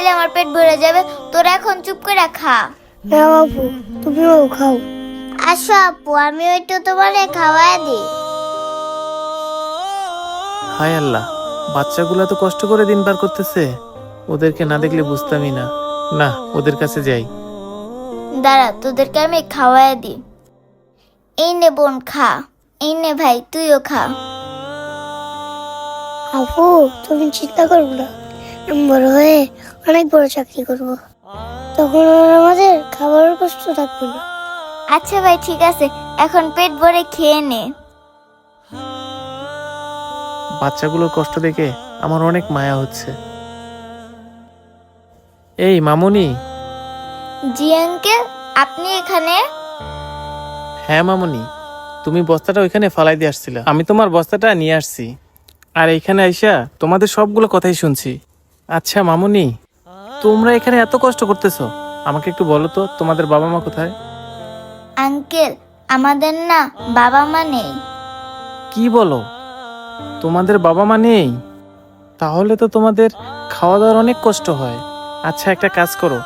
আমার পেট ভরে যাবে। তোরা এখন চুপ করে খা। না বাবু, তুমিও খাও। আসো আপু, আমি ওইটা তোমারে খাওয়াই দিই। হায় আল্লাহ, বাচ্চাগুলো তো কষ্ট করে দিন পার করতেছে, ওদেরকে না দেখলে বুঝতামই না। না, ওদের কাছে যাই। দাঁড়া, তোদেরকে আমি খাওয়াই দিই। এই নে বোন, খা। এই নে ভাই, তুইও খা। আপু, তুমি চিন্তা করবো না, আমি বড় হয়ে অনেক বড় চাকরি করব, তখন আর আমাদের খাবারের কষ্ট থাকবে না। আচ্ছা ভাই, ঠিক আছে, এখন পেট ভরে খেয়ে নে। বাচ্চাগুলোর কষ্ট দেখে আমার অনেক মায়া হচ্ছে। এই মামুনি। জি আঙ্কেল, আপনি এখানে? হ্যাঁ মামুনি, তুমি বস্তাটা ওইখানে ফালাই দিয়ে আসছিলা, আমি তোমার বস্তাটা নিয়ে আসছি। আর এইখানে আইসা তোমাদের সবগুলো কথাই শুনছি। আচ্ছা মামুনি, তোমরা এখানে এত কষ্ট করতেছো, আমাকে একটু বলো তো তোমাদের বাবা মা কোথায়? আঙ্কেল, আমাদের না বাবা মা নেই। কি বলো, তোমাদের বাবা মা নেই? তাহলে তো তোমাদের খাওয়া দাওয়ার অনেক কষ্ট হয়। আচ্ছা, একটা কাজ করো,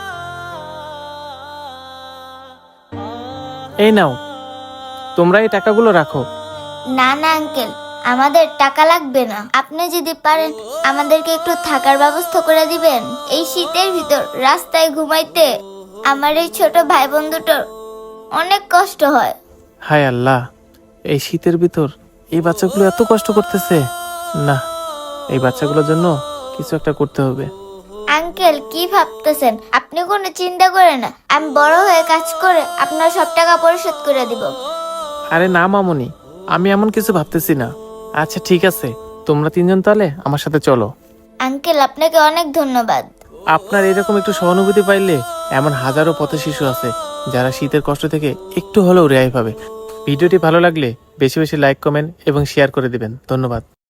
এই নাও, তোমরা এই টাকাগুলো রাখো। না না আঙ্কেল, আমাদের টাকা লাগবে না। আপনি যদি পারেন আমাদেরকে একটু থাকার ব্যবস্থা করে দিবেন। এই শীতের ভিতর রাস্তায় ঘুমাইতে আমার এই ছোট ভাই বোন দুটোর অনেক কষ্ট হয়। হায় আল্লাহ, এই শীতের ভিতর এই বাচ্চাগুলো এত কষ্ট করতেছে। না, এই বাচ্চাগুলোর জন্য কিছু একটা করতে হবে। আঙ্কেল, কি ভাবতেছেন? আপনি কোনো চিন্তা করেন না, আমি বড় হয়ে কাজ করে আপনার সব টাকা পরিশোধ করে দিব। আরে না মামুনি, আমি এমন কিছু ভাবতেছি না। আচ্ছা ঠিক আছে, তোমরা তিনজন তাহলে আমার সাথে চলো। আঙ্কেল, আপনাকে অনেক ধন্যবাদ। আপনার এরকম একটু সহানুভূতি পাইলে এমন হাজারো পথ শিশু আছে যারা শীতের কষ্ট থেকে একটু হলেও রেহাই পাবে। ভিডিওটি ভালো লাগলে বেশি বেশি লাইক, কমেন্ট এবং শেয়ার করে দিবেন। ধন্যবাদ।